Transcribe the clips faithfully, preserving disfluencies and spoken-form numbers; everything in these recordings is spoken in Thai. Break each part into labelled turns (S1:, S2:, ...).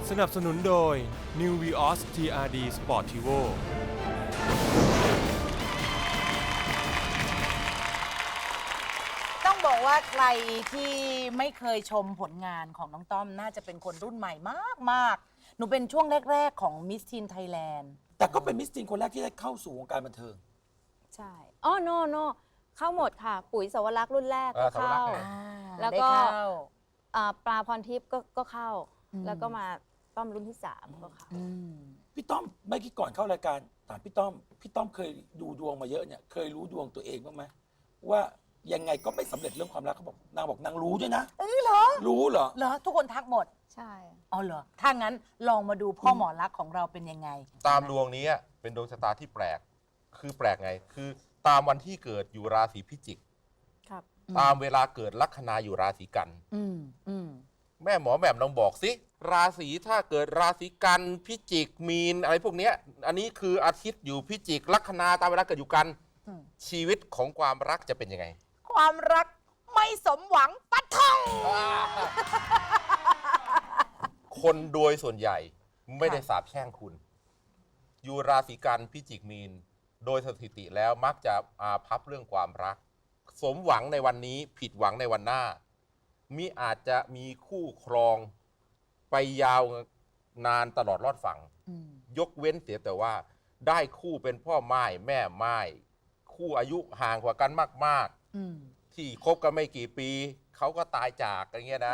S1: สนับสนุนโดย New Vios ที อาร์ ดี Sportivo
S2: ต้องบอกว่าใครที่ไม่เคยชมผลงานของน้องต้อมน่าจะเป็นคนรุ่นใหม่มากๆ หนูเป็นช่วงแรก ๆ ของ Miss Teen Thailand
S3: แต่ก็เป็นมิสทีนคนแรกที่ได้เข้าสู่วงการบันเทิง
S4: ใช่อ๋อโนโนเข้าหมดค่ะ ปุ๋ยสวรักษ์รุ่นแรกก็เข้า
S2: อ่า
S4: แล้ว
S2: ได้
S4: ก็
S2: เข้า
S4: อ่าปลาพรทิพย์ก็ก็เข้า
S2: อืม
S4: แล้วก็มาต้อมรุ่นที่สามก็เข้า
S2: อืม
S3: พี่ต้อมเมื่อกี้ก่อนเข้ารายการถามพี่ต้อมพี่ต้อมเคยดูดวงมาเยอะเนี่ยเคยรู้ดวงตัวเองบ้างไหมว่ายังไงก็ไม่สำเร็จเรื่องความรักเขาบอกนางบอกนางรู้ด้วยนะ
S2: เอ้ยเหรอ
S3: รู้เหรอ
S2: เหรอ ทุกคนทักหมด
S4: ใช่
S2: อ๋อเหรอ ถ้างั้นลองมาดูพ่อหมอรักของเราเป็นยังไง
S5: ตามดวงนี้เป็นดวงชะตาที่แปลก คือแปลกไง คือตามวันที่เกิดอยู่ราศีพิจิก
S4: ครับ
S5: ตามเวลาเกิดลัคนาอยู่ราศีกัน
S2: อืมอืม
S5: แม่หมอแหม่มลองบอกสิ ราศีถ้าเกิดราศีกันพิจิกมีนอะไรพวกเนี้ย อันนี้คืออาทิตย์อยู่พิจิกลัคนาตามเวลาเกิดอยู่กัน
S2: อืม
S5: ชีวิตของความรักจะเป็นยังไง
S2: ความรักไม่สมหวังปัดท่อง
S5: คนโดยส่วนใหญ่ไม่ได้สาปแช่งคุณ อยู่ราศีกันพิจิกมีน โดยสถิติแล้วมักจะอาภัพเรื่องความรัก สมหวังในวันนี้ผิดหวังในวันหน้า มิอาจจะมีคู่ครองไปยาวนานตลอดรอดฝั่ง
S2: อืม
S5: ยกเว้นเสียแต่ว่า ได้คู่เป็นพ่อไม้แม่ไม้คู่อายุห่างกว่ากันมาก
S2: อืม
S5: ๆ ที่คบกันไม่กี่ปี เขาก็ตายจากอย่างเงี้ยนะ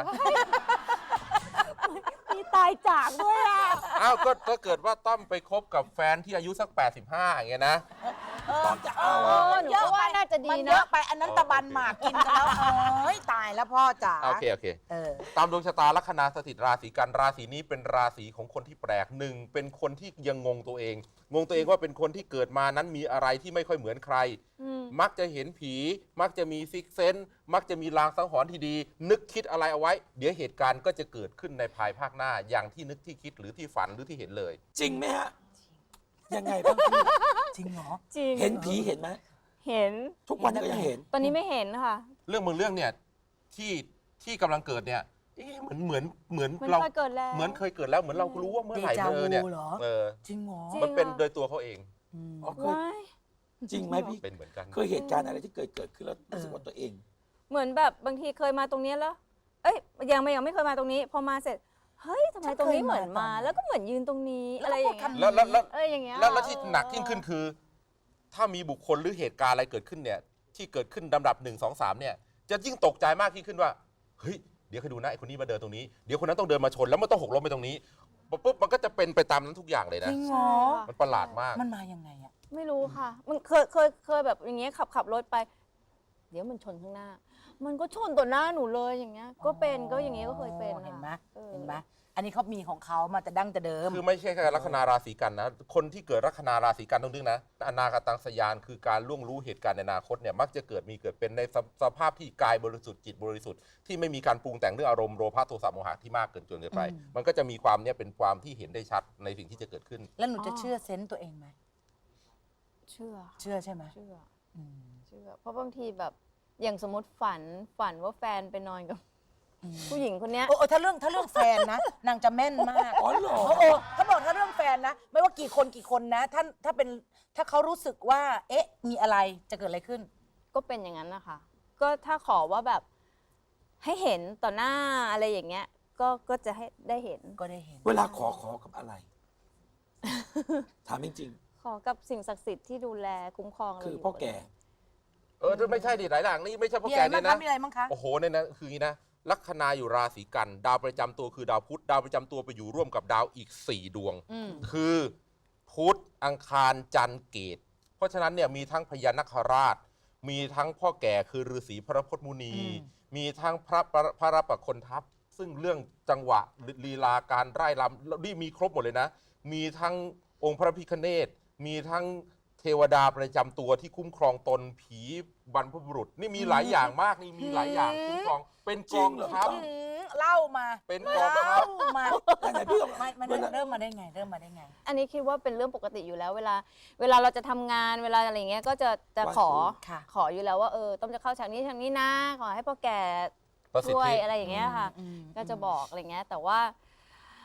S4: มีตายจากด้วยอ่ะ
S5: อ้าวก็ถ้าเกิดว่าต้อมไปคบกับแฟนที่อายุสักแปดสิบห้าอย่างเงี้ยนะ
S3: ตอนจะเอา
S4: เอ
S3: อะ
S4: อหนูก็ว่าน่าจะดี
S2: มันเย
S4: นะ
S2: อะไปอันนั้นตะบันหมากกินกันแล้วเอ้ยตายแล้วพ่อจ๋า
S5: โอเคโอเค
S2: เออ
S5: ตามดวงชะตาลัคนาสถิตราศีกันราศีนี้เป็นราศีของคนที่แปลกหนึ่งเป็นคนที่ยังงงตัวเอง งงตัวเองว่าเป็นคนที่เกิดมานั้นมีอะไรที่ไม่ค่อยเหมือนใคร
S4: อืม
S5: มักจะเห็นผี มักจะมีซิกเซนมักจะมีลางสังหรณ์ที่ดี นึกคิดอะไรเอาไว้ เดี๋ยวเหตุการณ์ก็จะเกิดขึ้นในภายภาคหน้า อย่างที่นึกที่คิดหรือที่ฝันหรือที่เห็นเลย
S3: จริงไหมฮะยังไงบ้างพี่
S2: จริงเหรอ
S4: จริง
S3: เห็นผีเห็นไหม
S4: เห็น
S3: ทุกวันนี้ก็ยังเห็น
S4: ตอนนี้ไม่เห็นค่ะ
S5: เรื่องบางเรื่องเนี่ยที่ที่กำลังเกิดเนี่ยเอ๊ะเหมือนเหมือนเหมือน
S4: มัน
S5: เรา
S4: เคยเกิดแล้ว
S5: เหมือนเคยเกิดแล้วเหมือนเรารู้ว่าเมื่อไหร่
S2: เดจา
S5: เออเนี่ย
S2: วูเหรอ
S5: เออ
S2: จริงเหรอ
S4: จริง
S5: มันเป็นโดยตัวเขาเอง
S2: อืม
S3: อ๋อเคย
S4: ว้าย
S3: จริงไหมพี่
S5: เป็นเหมือนกัน
S3: เคยเหตุการณ์อะไรที่เกิดเกิดขึ้นแล้วรู้สึกว่าตัวเอง
S4: เหมือนแบบบางทีเคยมาตรงเนี้ยแล้ว เอ้ยยังไม่ยังไม่เคยมาตรงนี้ พอมาเสร็จ เฮ้ยทำไมตรงนี้เหมือนมา แล้วก็เหมือนยืนตรงนี้อะไรอย่างเงี้ย
S5: แล้วแล้วแล้ว
S4: เอ้ยอย่างเงี้ย
S5: แล้วแล้วที่หนักยิ่งขึ้นคือ ถ้ามีบุคคลหรือเหตุการณ์อะไรเกิดขึ้นเนี่ยที่เกิดขึ้นลำดับหนึ่งสองสามเนี่ยจะยิ่งตกใจมากยิ่งขึ้นว่าเฮ้ยเดี๋ยวคอยดูนะไอ้คนนี้มาเดินตรงนี้เดี๋ยวคนนั้นต้องเดินมาชนแล้วมันต้องหกล้มไปตรงนี้ปุ๊บมันก็จะเป็นไปตามนั้นทุกอย่างเลย
S2: จ
S5: นะ
S2: ริงเหรอ
S5: มันประหลาดมาก
S2: มันมายังไงอะ
S4: ไม่รู้ค่ะ มันเคยเคยเคยแบบอย่างเงี้ยขับขับรถไป เดี๋ยวมันชนข้างหน้า มันก็ชนต่อหน้าหนูเลยอย่างเงี้ย ก็เป็นก็อย่างเงี้ยก็เคยเป็น
S2: เห็นไหม
S4: ออ
S2: เห็นไหมอันนี้เขามีของเขามาแต่ดั้งแต่เดิม
S5: คือไม่ใช่แค่ลัคนาราศีกันนะคนที่เกิดลัคนาราศีกันต้องนึกนะอนาคตังสยานคือการล่วงรู้เหตุการณ์ในอนาคตเนี่ยมักจะเกิดมีเกิดเป็นในสสภาพที่กายบริสุทธิ์จิตบริสุทธิ์ที่ไม่มีการปรุงแต่งเรื่องอารมณ์โลภะโทสะโมหะที่มากเกินจนเกินไป
S2: อืม
S5: มันก็จะมีความเนี่ยเป็นความที่เห็นได้ชัดในสิ่งที่จะเกิดขึ้น
S2: แล้วหนูจะเชื่อเซนต์ตัวเองไหม
S4: เชื่อค่ะ
S2: เชื่อใช่ไหม
S4: เชื่อ
S2: อืม
S4: เชื่อ เพราะบางทีแบบอย่างสมมติฝันฝันว่าแฟนไปนอนกับ ผู้หญิงคนเนี้ย
S2: โอ้โอ้ถ้าเรื่องถ้าเรื่องแฟนนะ นางจะแม่นมาก
S3: อ๋อเหรอ
S2: โอ้โอ้เขาบอกถ้าเรื่องแฟนนะ ไม่ว่ากี่คนกี่คนนะถ้าถ้าเป็นถ้าเขารู้สึกว่า เอ๊ะ มีอะไรจะเกิดอะไรขึ้น
S4: ก็เป็นอย่างนั้นนะคะ ก็ถ้าขอว่าแบบให้เห็นต่อหน้าอะไรอย่างเงี้ย ก็ก็จะให้ได้เห็น
S2: ก็ได้เห็น
S3: เวลาขอขอกับอะไร ถามจริง
S4: ขอกับสิ่งศักดิ์สิทธิ์ที่ดูแลคุ้มครองเรา
S3: ๆ คือ
S4: อยู่
S3: พ่อแก่
S5: เออไม่ใช่ดิหลายอย่างนี่ไม่ใช่เพราะ
S2: มี
S5: แก
S2: อะไร
S5: เนี่
S2: บ้าง
S5: ย
S2: คะ
S5: นะ
S2: มีอะไรบ้างคะ
S5: โอ้โหเนี่ยนะคืออย่างนี้นะลัคนาอยู่ราศีกัน ดาวประจำตัวคือดาวพุธดาวประจำตัวไปอยู่ร่วมกับดาวอีกสี่ดวง
S2: อืม
S5: คือพุธอังคารจันทร์เกต เพราะฉะนั้นเนี่ยมีทั้งพญานาคราช มีทั้งพ่อแก่คือฤาษีพระพจน์มุนี มีทั้งพระพระพระรับประคนทัพ ซึ่งเรื่องจังหวะลีลาการไร่รำนี่มีครบหมดเลยนะ มีทั้งองค์พระพิฆเนศมีทั้งเทวดาประจำตัวที่คุ้มครองตนผีบรรพบุรุษ นี่มีหลายอย่างมากนี่มีหลายอย่างคุ้มครองเป็นกองทัพ
S2: อืมเล่ามา
S5: เป็นกองทัพ
S2: เล่ามา
S3: ไหนๆพี่ลอง
S2: ไม่มันเริ่มมาได้ไง เริ่มมาได้ไง
S4: อันนี้คิดว่าเป็นเรื่องปกติอยู่แล้ว เวลา เวลาเราจะทำงานเวลาอะไรเงี้ยก็จะจะขอ
S2: ค่ะ
S4: ขออยู่แล้วว่าเออต้องจะเข้าฉากนี้ฉากนี้นะ ขอให้พ่อแก่
S5: ประสิท
S4: ช่วย
S5: ธิ
S4: อะไรอย่างเงี้ยค่ะ
S2: อืม
S4: ก็จะบอกอะไรเงี้ยแต่ว่า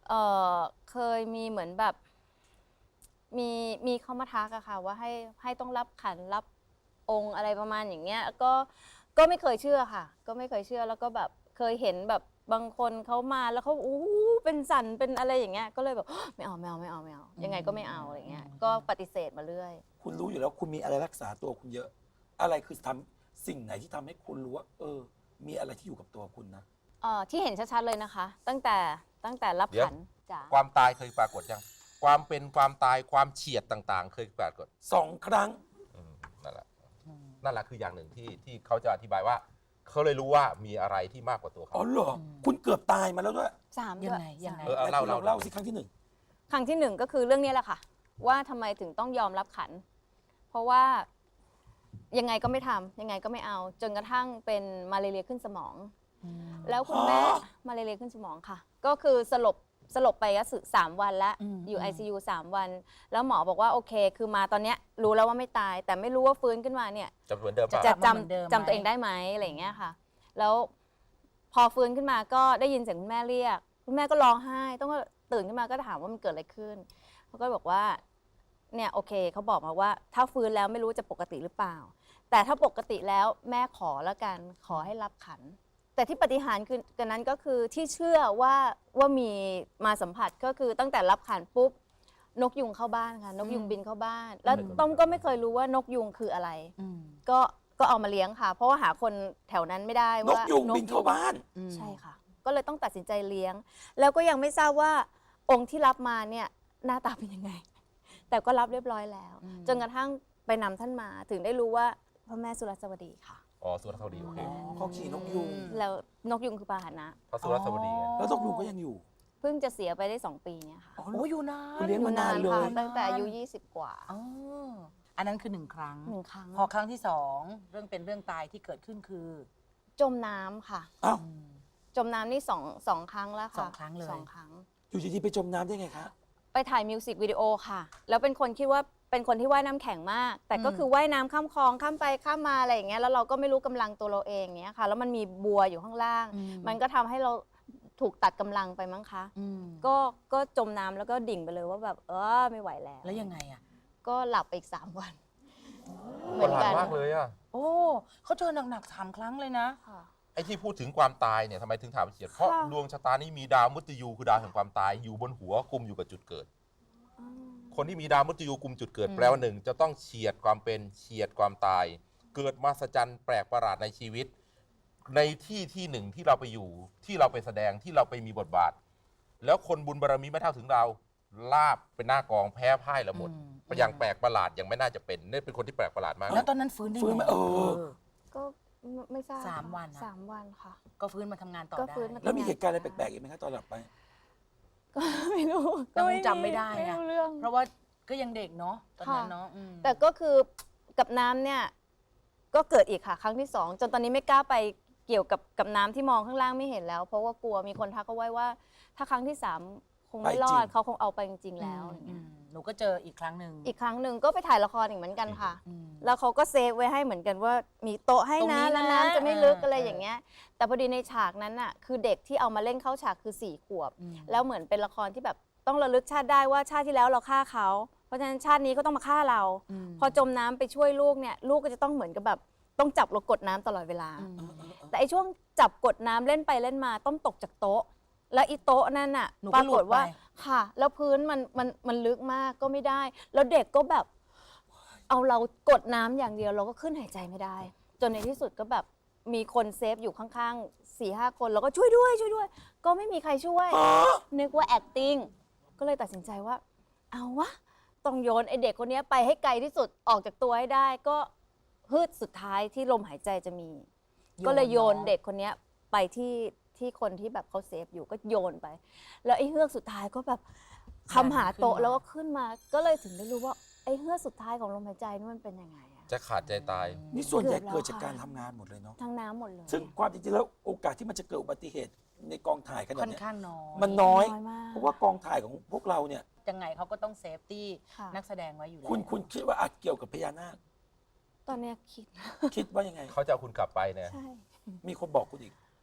S4: เออเคยมีเหมือนแบบมีมีเขามาทักอะค่ะว่าให้ให้ต้องรับขันรับองค์อะไรประมาณอย่างเงี้ยก็ก็ไม่เคยเชื่อค่ะ ก็ไม่เคยเชื่อแล้วก็แบบเคยเห็นแบบบางคนเขามาแล้วเขาอู้เป็นสันเป็นอะไรอย่างเงี้ยก็เลยแบบ ไม่เอาไม่เอาไม่เอาไม่เอายังไงก็ไม่เอาอะไรเงี้ยก็ปฏิเสธมาเรื่อย
S3: คุณรู้อยู่แล้วคุณมีอะไรรักษาตัวคุณเยอะ อะไรคือทำสิ่งไหนที่ทำให้คุณรู้ว่า เออ มีอะไรที่อยู่กับตัวคุณนะ
S4: เอ่อที่เห็นชัดๆเลยนะคะ ตั้งแต่ตั้งแต่รับ
S5: เดี๋ยว
S4: ขันจ๋า
S5: ความตายเคยปรากฏยังความเป็นความตายความเฉียดต่างๆ เคยปรากฏ
S3: สองครั้ง
S5: อืมนั่นแหละนั่นแหละคืออย่างหนึ่งที่ที่เขาจะอธิบายว่าเขาเลยรู้ว่ามีอะไรที่มากกว่าตัวเขา
S3: อ๋อเหรอ คุณเกือบตายมาแล้วด้วย
S4: สาม
S2: ยัง
S4: ด้วย
S2: ไงยังไง
S5: เออเอาเล่า
S3: เรา
S5: เล่า
S3: เล่าสิครั้งที่หนึ่ง
S4: ครั้งที่หนึ่งก็คือเรื่องนี้แหละค่ะ ว่าทำไมถึงต้องยอมรับขัน เพราะว่ายังไงก็ไม่ทำยังไงก็ไม่เอา จนกระทั่งเป็นมาเลเรียขึ้นสมอง แล้วคุณแม่
S3: อ๋อ
S4: มาเลเรียขึ้นสมองค่ะ ก็คือสลบสลบไปก็สามวันแล้ว
S2: อืม
S4: อยู่
S2: อืม
S4: ไอ ซี ยู สามวัน แล้วหมอบอกว่าโอเค คือมาตอนเนี้ยรู้แล้วว่าไม่ตาย แต่ไม่รู้ว่าฟื้นขึ้นมาเนี่ย
S5: จะเหมือนเดิมป่ะ
S4: จะ
S2: กลับมาเหมือนเดิม
S4: จำ
S2: ไหม
S4: จำตัวเองได้ไหมอะไรอย่างเงี้ยค่ะ แล้วพอฟื้นขึ้นมาก็ได้ยินเสียงคุณแม่เรียก คุณแม่ก็ร้องไห้ ต้องก็ตื่นขึ้นมาก็ถามว่ามันเกิดอะไรขึ้นเขาก็บอกว่าเนี่ยโอเคเขาบอกมาว่า ถ้าฟื้นแล้วไม่รู้จะปกติหรือเปล่า แต่ถ้าปกติแล้วแม่ขอแล้วกันขอให้รับขัน แต่ที่ปฏิหารย์คือกันนั้นก็คือที่เชื่อว่าว่ามีมาสัมผัสก็คือตั้งแต่รับขันปุ๊บนกยุงเข้าบ้านค่ะนกยุงบินเข้าบ้าน แล้วต้อมก็ไม่เคยรู้ว่านกยุงคืออะไร
S2: อืม
S4: ก็ก็เอามาเลี้ยงค่ะ เพราะว่าหาคนแถวนั้นไม่ได้
S3: นก
S4: ว่าน
S3: ยุงบินเข้าบ้าน
S2: อืม
S4: ใช่ค่ะ ก็เลยต้องตัดสินใจเลี้ยง แล้วก็ยังไม่ทราบว่าองค์ที่รับมาเนี่ยหน้าตาเป็นยังไง แต่ก็รับเรียบร้อยแล้ว
S2: อืม
S4: จนกระทั่งไปนำท่านมาถึงได้รู้ว่าพระแม่สุรสวดีค่ะ
S5: อ๋อสุรสวดีโอเค
S3: เขาขี่นกยุง
S4: แล้วนกยุงคือพาหนะ
S5: เพราะสุรสวดีไง
S3: แล้วนกยุงก็ยังอยู่
S4: เพิ่งจะเสียไปได้สองปีเนี่ยค่ะ
S3: อ๋อ
S2: โอ้อยู่นาน
S3: คุณเลี้ยงมานานเล
S4: ค่ะ
S3: ย
S4: ตั้งแต่อายุยี่สิบกว่า
S2: อ๋ออันนั้นคือหนึ่งครั้ง
S4: หนึ่งครั้ง
S2: พอครั้งที่สองเรื่องเป็นเรื่องตายที่เกิดขึ้นคือ
S4: จมน้ำค่ะ
S3: อ้าว
S2: อืม
S4: จมน้ำนี่สองสองครั้งแล้วค่ะ
S2: สองครั้งเลย
S4: สองครั้ง
S3: อยู่ดีๆไปจมน้ำได้ไงคะ
S4: ไปถ่ายมิวสิกวิดีโอค่ะ แล้วเป็นคนคิดว่าเป็นคนที่ว่ายน้ำแข็งมาก แต่ก็คือว่ายน้ำข้ามคลองข้ามไปข้ามมาอะไรอย่างเงี้ย แล้วเราก็ไม่รู้กำลังตัวเราเองเนี้ยค่ะ แล้วมันมีบัวอยู่ข้างล่าง
S2: อืม
S4: มันก็ทำให้เราถูกตัดกำลังไปมั้งคะ
S2: อืม
S4: ก็ก็จมน้ำแล้วก็ดิ่งไปเลยว่าแบบเออไม่ไหวแล้ว
S2: แล้วยังไงอ่ะ
S4: ก็หลับไปอีกสามวัน
S5: คนหลานมากเลยอ่ะ
S2: โอ้เขาเจอหนักๆสามครั้งเลยนะ
S4: ค่ะ
S5: ไอ้ที่พูดถึงความตายเนี่ยทำไมถึงถามเฉียดเพราะ
S4: ค่ะ
S5: ดวงชะตานี้มีดาวมุตยูคือดาวแห่งความตายอยู่บนหัวกุมอยู่กับจุดเกิด
S4: อืม
S5: คนที่มีดาวมุตยูกุมจุดเกิด
S2: อืม
S5: แปลว่าหนึ่งจะต้องเฉียดความเป็นเฉียดความตาย เกิดมหัศจรรย์แปลกประหลาดในชีวิต ในที่ที่หนึ่งที่เราไปอยู่ที่เราไปแสดงที่เราไปมีบทบาท แล้วคนบุญบารมีไม่เท่าถึงเราลาบเป็นหน้ากองแพ้พ่ายละหมด
S2: อืม
S5: อย่างแปลกประหลาดยังไม่น่าจะเป็นนี่เป็นคนที่แปลกประหลาดมาก
S2: แล้วตอนนั้นฟื้นได้
S3: ฟื้น
S2: ไง
S3: ไหมเออ
S4: ก็ไม่ไม่ทราบ
S2: สามวันนะ
S4: สามวันค่ะ
S2: ก็ฟื้นมาทำงานต่อ
S4: ก็
S2: ได้
S4: ฟื้นมา
S3: แล้วมีเหตุการณ์อะไรแปลกๆอีกไหมคะตอนหลับไป
S4: ก็ไม่รู้
S2: ก็คงจำไม่ได้
S4: ไม่
S2: นะ
S4: รู้เรื่อง
S2: เพราะว่าก็ยังเด็กเนาะตอนนั้น
S4: ค่ะ
S2: เนาะอืม
S4: แต่ก็คือกับน้ำเนี่ยก็เกิดอีกค่ะ ครั้งที่สองจนตอนนี้ไม่กล้าไปเกี่ยวกับกับน้ำที่มองข้างล่างไม่เห็นแล้ว เพราะว่ากลัวมีคนทักเขาไว้ว่า ถ้าครั้งที่สามคงไม่
S3: ไปจริง
S4: รอดเขาคงเอาไปจริงๆแล้วอะไร
S2: อื
S4: เงี้ย
S2: มหนูก็เจออีกครั้งหนึ่ง
S4: อีกครั้งหนึ่งก็ไปถ่ายละครอีกเหมือนกันค่ะ
S2: อืม
S4: แล้วเขาก็เซฟไว้ให้เหมือนกันว่ามีโต๊ะให้
S2: ตรงนี้
S4: นะ
S2: นะ
S4: แล้วน้ำจะไม่ลึก
S2: เอออ
S4: อะไรอย่างเงี้ย แต่พอดีในฉากนั้นน่ะคือเด็กที่เอามาเล่นเข้าฉากคือสี่ขวบ
S2: อืม
S4: แล้วเหมือนเป็นละครที่แบบต้องระลึกชาติได้ว่าชาติที่แล้วเราฆ่าเขา เพราะฉะนั้นชาตินี้ก็ต้องมาฆ่าเรา
S2: ม
S4: พอจมน้ำไปช่วยลูกเนี่ยลูกก็จะต้องเหมือนกับแบบต้องจับเรากดน้ำตลอดเวลา
S2: อืม
S4: แต่ไอช่วงจับกดน้ำเล่นไปเล่นมาต้องตกจากโต๊ะ แล้วอีโต๊ะนั่นน่ะ
S2: หนู
S4: ป
S2: ก็
S4: รา
S2: หลุ
S4: ก
S2: ด
S4: ฏ
S2: ไป
S4: ว่าค่ะ แล้วพื้นมันมันมันลึกมากก็ไม่ได้ แล้วเด็กก็แบบ เอาเรากดน้ำอย่างเดียวเราก็ขึ้นหายใจไม่ได้ จนในที่สุดก็แบบมีคนเซฟอยู่ข้างๆสี่ห้าคนแล้วก็ช่วยด้วยช่วยด้วย ก็ไม่มีใครช่วย นึกว่า acting ก็เลยตัดสินใจว่า เอาวะต้องโยนไอเด็กคนนี้ไปให้ไกลที่สุดออกจากตัวให้ได้ ก็ฮืดสุดท้ายที่ลมหายใจจะมี ก็เลยโยนเด็กคนนี้ไปที่ที่คนที่แบบเขาเซฟอยู่ก็โยนไป แล้วไอ้เฮือกสุดท้ายก็แบบคำหาโต๊ะแล้วก็ขึ้นมา ก็เลยถึงได้รู้ว่าไอ้เฮือกสุดท้ายของลมหายใจนี่มันเป็นยังไงอะ
S5: จะขาดใจตาย
S3: นี่ส่วนใหญ่
S4: เกือบแล้ว
S3: เกิดจาก
S4: ค่ะ
S3: การทำงานหมดเลยเนาะ
S4: ทั้งน้ำหมดเลย
S3: ซึ่งความจริงๆแล้วโอกาสที่มันจะเกิดอุบัติเหตุในกองถ่ายขนา
S2: ค่
S3: ด
S2: อน
S3: เนี้ย
S2: ข้างน้อย
S3: มันน้อย
S4: น้อยมาก
S3: เพราะว่ากองถ่ายของพวกเราเนี่ย
S2: ยังไงเขาก็ต้องเซฟตี้
S4: ค่ะ
S2: นักแสดงไว้อยู่แล้ว
S3: คุณคุณคิดว่าอาจเกี่ยวกับพญานาค
S4: ตอนเนี้ยคิด
S3: คิดว่ายังไง
S5: เขาจะเอาคุณกลับไปเนี่ย
S4: ใช่
S3: มีคนบอกคุณอีก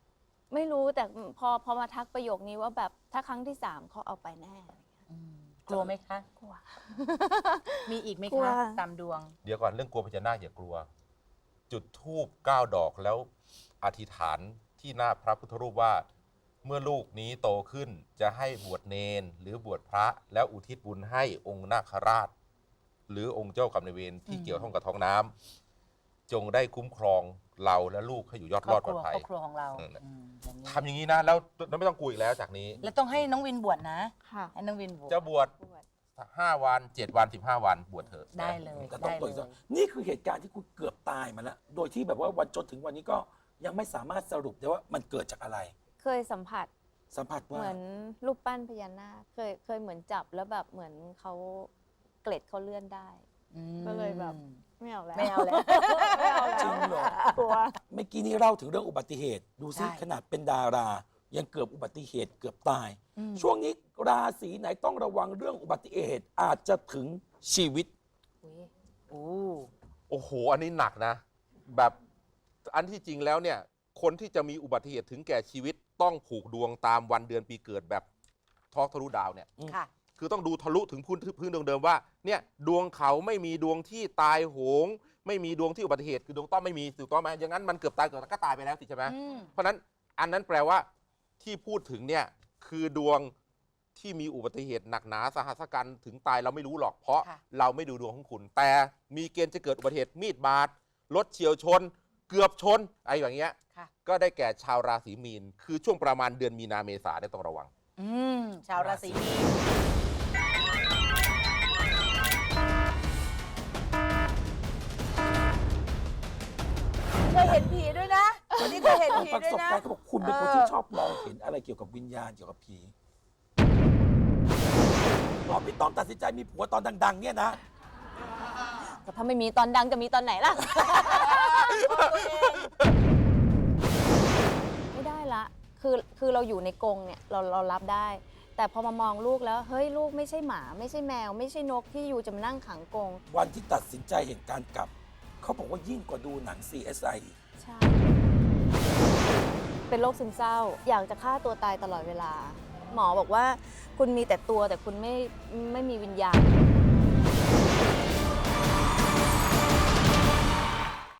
S4: ไม่รู้แต่พอพอมาทักประโยคนี้ว่าแบบถ้าครั้งที่สามเขาเอาไปแน่
S2: อืมกลัวไหมคะ
S4: กลัว
S2: มีอีกไหม
S4: กลัว
S2: คะตามดวง
S5: เดี๋ยวก่อนเรื่องกลัวพญานาคอย่ากลัว จุดธูปเก้าดอกแล้วอธิษฐานที่หน้าพระพุทธรูปว่า เมื่อลูกนี้โตขึ้นจะให้บวชเนนหรือบวชพระแล้วอุทิศบุญให้องค์นาคราช หรือองค์เจ้ากรรมนายเวรที่
S2: อืม
S5: เกี่ยวข้องกับท้องน้ำจงได้คุ้มครองเราและลูกให้อยู่ยอด
S2: ค
S5: ร
S2: รอ
S5: อบ ด
S2: ค
S5: ปล
S2: รั
S5: อ
S2: ว
S5: ดภัย
S2: ครอบครัวของเรา
S5: อืม
S2: อืมอย่างนี้
S5: ทำอย่างนี้นะแล้วแล้วไม่ต้องกลัวอีกแล้วจากนี้
S2: แล้วต้องให้น้องวินบวชนะ
S4: ค่ะ
S2: ให้น้องวินบวช
S5: จะบวช
S4: บวช
S5: ห้าวันเจ็ดวันสิบห้าวันบวชเถอะ
S2: ได้เลย
S3: แต่ต้อง
S2: ได้
S3: ตรวจ
S2: เล
S3: สอบ
S2: ย
S3: นี่คือเหตุการณ์ที่คุณเกือบตายมาแล้ว โดยที่แบบว่าวันจนถึงวันนี้ก็ยังไม่สามารถสรุปได้ว่ามันเกิดจากอะไร
S4: เคยสัมผัส
S3: สัมผัส
S4: เห
S3: ว่า
S4: มือนรูปปั้นพญานาคเคยเคยเหมือนจับแล้วแบบเหมือนเขาเกล็ดเขาเลื่อนได้
S2: อืม
S4: ก็เลยแบบ ไม่เอาแล้ว
S2: ไม่เอาแล้ว
S4: ไม่เอาแล้ว
S3: จริงเหรอ
S4: กลัว
S3: เมื่อกี้นี้เล่าถึงเรื่องอุบัติเหตุ ดูซิ
S2: ใช่
S3: ขนาดเป็นดารา ยังเกือบอุบัติเหตุเกือบตาย
S2: อืม
S3: ช่วงนี้ราศีไหนต้องระวังเรื่องอุบัติเหตุอาจจะถึงชีวิต
S4: อุ๊ย
S2: โอ้
S5: โอ้โห อันนี้หนักนะ แบบอันที่จริงแล้วเนี่ย คนที่จะมีอุบัติเหตุถึงแก่ชีวิตต้องผูกดวงตามวันเดือนปีเกิดแบบทอกทะลุดาวเนี่ย
S2: ค่ะ
S5: คือต้องดูทะลุถึงพื้นพื้นดวงเดิมว่าเนี่ยดวงเขาไม่มีดวงที่ตายโหง ไม่มีดวงที่อุบัติเหตุคือดวงต้อมไม่มีถูกต้องไหมอย่างนั้นมันเกือบตายเกือบก็ตายไปแล้วสิใช่ไหม
S2: อืม
S5: เพราะฉะนั้นอันนั้นแปลว่าที่พูดถึงเนี่ยคือดวงที่มีอุบัติเหตุหนักหนาสาหัสกันถึงตายเราไม่รู้หรอกเพราะ
S2: ค่ะ
S5: เราไม่ดูดวงของคุณ แต่มีเกณฑ์จะเกิดอุบัติเหตุมีดบาดรถเฉียวชน เกือบชนอะไรอย่างเงี้ย
S2: ค่ะ
S5: ก็ได้แก่ชาวราศีมีนคือช่วงประมาณเดือนมีนาเมษาได้ต้องระวัง
S2: อืม ชาวราศีมีนเคยเห็นผีด้วยนะวันนี้เคยเห็นผี
S3: ประ
S2: ด้วย
S3: สบ
S2: นะ
S3: การณ์เขาบอกคุณเป็นคน
S2: เออ
S3: ที่ชอบมองเห็นอะไรเกี่ยวกับวิญญาณเกี่ยวกับผีอ๋อพี่ต้อมตัดสินใจมีผัวตอนดัง ๆ เนี่ยนะ
S4: ก็ถ้าไม่มีตอนดังจะมีตอนไหนล่ะ ไม่ได้ละ คือคือเราอยู่ในกรงเนี่ยเราเรารับได้ แต่พอมามองลูกแล้ว เฮ้ยลูกไม่ใช่หมา ไม่ใช่แมว ไม่ใช่นกที่อยู่จะมานั่งขังกรง
S3: วันที่ตัดสินใจเห็นการกลับ เขาบอกว่ายิ่งกว่าดูหนัง ซี เอส ไอ อีก
S4: ใช่ เป็นโรคซึมเศร้า อยากจะฆ่าตัวตายตลอดเวลา หมอบอกว่าคุณมีแต่ตัวแต่คุณไม่ไม่มีวิญญาณ